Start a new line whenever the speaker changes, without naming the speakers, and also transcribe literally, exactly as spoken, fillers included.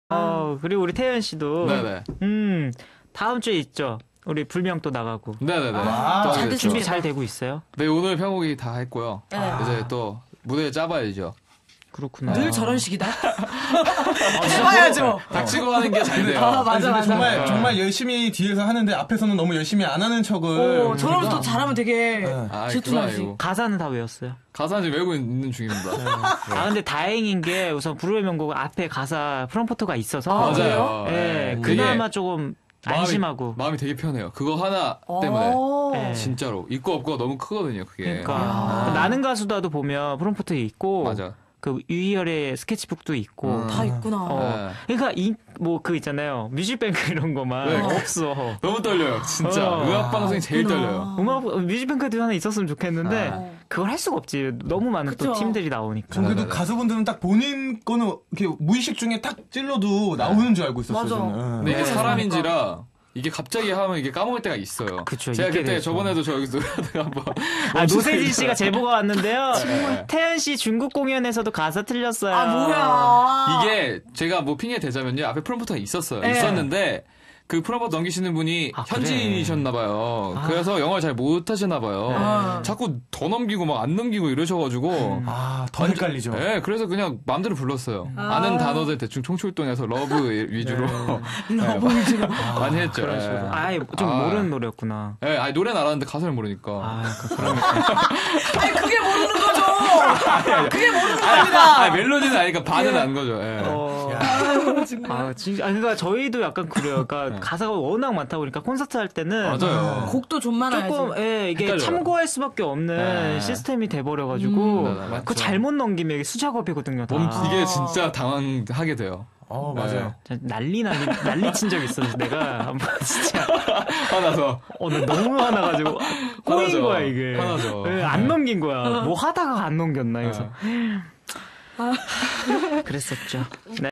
어, 그리고 우리 태연 씨도.
네네.
음, 다음 주에 있죠. 우리 불명 또 나가고.
네네네.
아,
또
잘
하게 됐죠.
준비 잘 되고 있어요?
네, 오늘 편곡이 다 했고요.
네.
이제 또 무대 짜봐야죠.
그렇구나.
늘 저런 식이다. 해봐야죠.
닥치고 하는 게 잘 돼요.
아, 맞아,
아니, 근데
맞아.
정말
네.
정말 열심히 뒤에서 하는데 앞에서는 너무 열심히 안 하는 척을.
오, 저러면 또
우리가-
잘하면 되게
아,
질투나지.
그건 아니고.
가사는 다 외웠어요.
가사 지금 외우고 있는 중입니다.
아, 근데 다행인 게 우선 불후의 명곡 앞에 가사 프롬포트가 있어서.
아,
맞아요.
예,
네.
그나마 조금 안심하고.
마음이, 마음이 되게 편해요. 그거 하나 때문에.
오.
네.
진짜로. 있고 없고가 너무 크거든요, 그게.
그러니까
아.
나는 가수다도 보면 프롬포트 있고
맞아.
그 유희열의 스케치북도 있고
음.
다 있구나.
어. 그러니까 이 뭐 그 있잖아요 뮤직뱅크 이런 거만
네.
없어.
너무 떨려요, 진짜.
어.
음악 방송이 제일
그렇구나.
떨려요.
음악 뮤직뱅크도 하나 있었으면 좋겠는데
아.
그걸 할 수가 없지. 너무 많은
그쵸.
또 팀들이 나오니까.
전 그래도
네네네.
가수분들은 딱 본인 거는 이렇게 무의식 중에 딱 찔러도 나오는 줄 알고 있었어요.
맞아.
저는.
근데 이게
네.
사람인지라 이게 갑자기 하면 이게 까먹을 때가 있어요.
그쵸,
제가
있게
그때
되죠.
저번에도 저 여기서 노래하다가 한번
아, 노세진 씨가 제보가 왔는데요.
네.
태연 씨 중국 공연에서도 가사 틀렸어요.
아, 뭐야.
이게 제가 뭐 핑계 대자면요. 앞에 프롬프터가 있었어요.
네.
있었는데 그 프롬프터 넘기시는 분이
아, 그래?
현지인이셨나봐요. 그래서 영어를 잘 못하시나봐요.
아.
자꾸 더 넘기고 막 안 넘기고 이러셔가지고
아, 더 헷갈리죠.
네, 그래서 그냥 마음대로 불렀어요.
아.
아는 단어들 대충 총출동해서 러브 위주로
너무 위주로.
많이 했죠.
그런 식으로.
네.
아예 좀
아.
모르는 노래였구나.
네, 아니, 노래는 알았는데 가사를 모르니까.
아, 그러니까.
아니, 그게 모르는 거죠. 그게 모르는 겁니다.
아, 멜로디는 아니까 반은
예.
안 거죠. 예.
어.
아유, 정말.
아, 진짜. 아, 그러니까 저희도 약간 그래요. 그러니까 가사가 워낙 많다 보니까 콘서트 할 때는
맞아요.
곡도 좀 많아야지.
조금 예, 이게
헷갈려요.
참고할 수밖에 없는
네.
시스템이 돼버려가지고
음. 네, 네, 맞죠.
그거 잘못 넘기면 이게 수작업이거든요. 다.
몸, 이게 진짜 당황하게 돼요.
어, 맞아요.
진짜 난리 난리 난리 친 적 있어. 내가 한번 진짜
화나서.
어, 나 너무 화나가지고 꼬인
화나죠.
거야 이게.
화나죠.
예, 안 넘긴 거야. 뭐 하다가 안 넘겼나 그래서. 그랬었죠. 네.